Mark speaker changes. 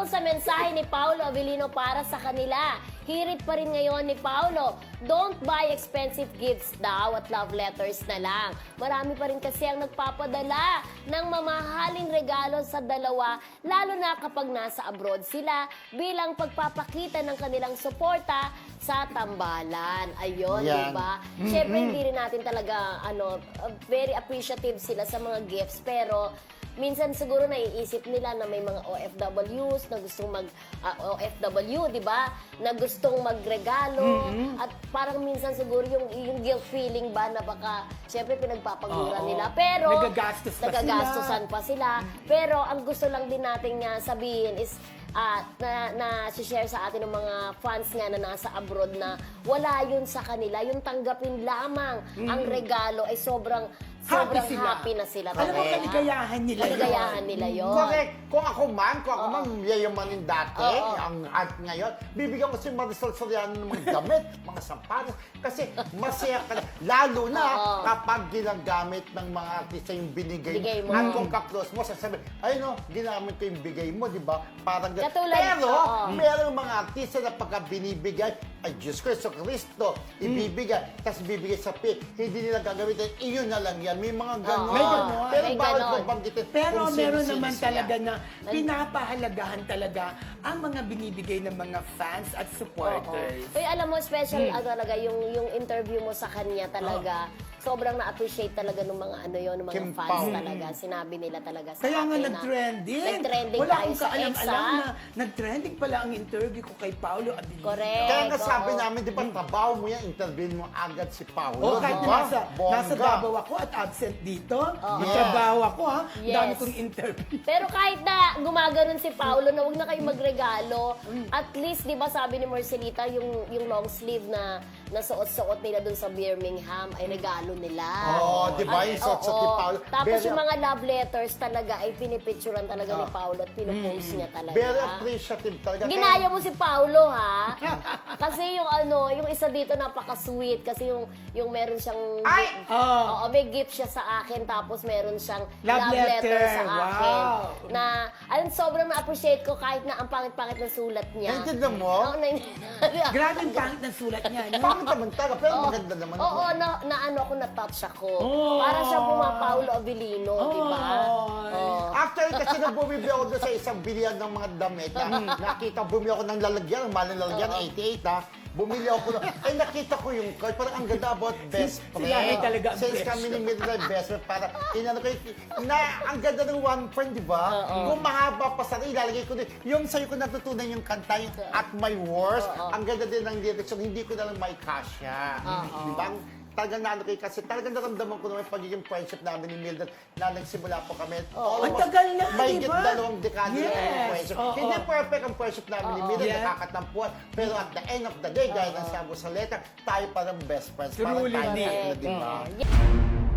Speaker 1: Tungo sa mensahe ni Paolo Avellino para sa kanila, hirit pa rin ngayon ni Paolo, don't buy expensive gifts daw at love letters na lang. Marami pa rin kasi ang nagpapadala ng mamahaling regalo sa dalawa, lalo na kapag nasa abroad sila, bilang pagpapakita ng kanilang suporta sa tambalan. Ayun,
Speaker 2: Yan.
Speaker 1: di ba? Siyempre, hindi rin natin talaga, very appreciative sila sa mga gifts, pero minsan siguro naiisip nila na may mga OFWs na gustong OFW, di ba? Na gustong magregalo. At parang minsan siguro yung guilt feeling ba na baka, syempre pinagpapagura nila. Pero, nagagastusan pa sila. Pero, ang gusto lang din natin nga sabihin is, na share sa atin ng mga fans nga na nasa abroad na wala yun sa kanila. Yung tanggapin lamang ang regalo ay sobrang happy na sila.
Speaker 3: Alam mo, kaligayahan nila yun.
Speaker 1: Kaligayahan nila yun.
Speaker 2: Correct. Kung ako man yayamanin dati, at ngayon, bibigyan ko si Marisol Soriano ng mga damit, mga sapatos, kasi masaya ka. Lalo na kapag ginagamit ng mga artista yung binigay mo. At kung ka-close mo, sasabi, ayun ginamit ko yung bigay mo, di ba? Parang
Speaker 1: Katulad,
Speaker 2: pero, merong mga artista na pagka binibigay, ay Diyos ko, Kristo, ibibigay, tapos bibigay sa hindi nila gagamitin, iyon na lang yan. May mga ganon.
Speaker 3: May ganon.
Speaker 2: Pero
Speaker 1: May
Speaker 2: bawal
Speaker 1: ganon.
Speaker 2: ko banggitin.
Speaker 3: Pero
Speaker 2: kung
Speaker 3: meron
Speaker 2: sino-sino
Speaker 3: naman
Speaker 2: sila.
Speaker 3: talaga na pinapahalagahan talaga ang mga binibigay ng mga fans at supporters.
Speaker 1: Uy, alam mo, special talaga yung interview mo sa kanya talaga. Sobrang na-appreciate talaga ng mga ng mga
Speaker 2: Kim
Speaker 1: fans
Speaker 2: Pao.
Speaker 1: talaga. Sinabi nila talaga sa
Speaker 3: Kaya nga
Speaker 1: akin na
Speaker 3: nag-trending.
Speaker 1: nag-trending
Speaker 3: Wala
Speaker 1: tayo
Speaker 3: akong
Speaker 1: sa
Speaker 3: kaalam-alam
Speaker 1: EXA.
Speaker 3: na nag-trending pala ang interview ko kay Paolo Abilino.
Speaker 1: Correct.
Speaker 2: Kaya nga sabi
Speaker 1: Oo.
Speaker 2: namin, di ba, trabaho mo yan, interviewin mo agad si Paolo.
Speaker 3: O kahit
Speaker 2: di
Speaker 3: na
Speaker 2: ba?
Speaker 3: nasa Davao ako at absent dito, nagtrabaho ako ha,
Speaker 1: Yes.
Speaker 3: dami kong interview.
Speaker 1: Pero kahit na gumaganon si Paolo na huwag na kayo magregalo, at least, di ba sabi ni Marcelita, yung long sleeve na nasuot-suot nila dun sa Birmingham ay regalo nila.
Speaker 2: Oo, di ba? Yung suot-suot ni Paolo.
Speaker 1: Tapos
Speaker 2: Very-
Speaker 1: yung mga love letters talaga ay pinipicturean talaga ni Paolo at pinopost niya talaga.
Speaker 2: Very appreciative talaga.
Speaker 1: Ginaya mo si Paolo, ha? Kasi yung isa dito napaka-sweet kasi yung meron siyang
Speaker 2: Ay!
Speaker 1: Oo, may gift siya sa akin tapos meron siyang
Speaker 3: Love letter.
Speaker 1: sa akin.
Speaker 3: Wow.
Speaker 1: Na sobrang na-appreciate ko kahit na ang pangit-pangit ng sulat niya.
Speaker 2: Naintindihan mo?
Speaker 1: Oo,
Speaker 3: Grabe ang pangit ng sulat niya. No?
Speaker 2: Pangit naman talaga, pero maganda naman.
Speaker 1: Oo, na-touch ako.
Speaker 3: Oh.
Speaker 1: Para siya Paulo Avellino, di ba? Oo.
Speaker 2: Actually, kasi nung bumibili ako doon sa isang bilihan ng mga damit, nakita, bumili ako ng lalagyan, ng maling lalagyan, 88 ha. Bumili ako doon. Ay, nakita ko yung card. Parang ang ganda about best friend.
Speaker 3: Sila ay talaga ang
Speaker 2: Since
Speaker 3: best
Speaker 2: kami ni Mildred best friend, para inano ko na ang ganda ng one friend, di ba? Kung mahaba pa sana, ilalagay ko din. Yung sa'yo ko natutunan yung kanta, yung At My Worst, ang ganda din ng lyrics, yung hindi ko na lang may kasya. Di ba? Talagang naano kayo kasi talagang naramdaman ko naman yung pagiging friendship namin ni Mildred na nagsimula po kami.
Speaker 3: Ang tagal na,
Speaker 2: May
Speaker 3: di ba?
Speaker 2: dalawang dekada na yung friendship. Hindi perfect ang friendship namin ni Mildred,
Speaker 3: Yeah.
Speaker 2: nakakatampuan. Pero at the end of the day, gaya ng sabi ko sa letter, tayo parang best friends. Parang
Speaker 3: Truly,
Speaker 2: tayo,
Speaker 3: Nick.
Speaker 2: di ba?
Speaker 1: Yeah.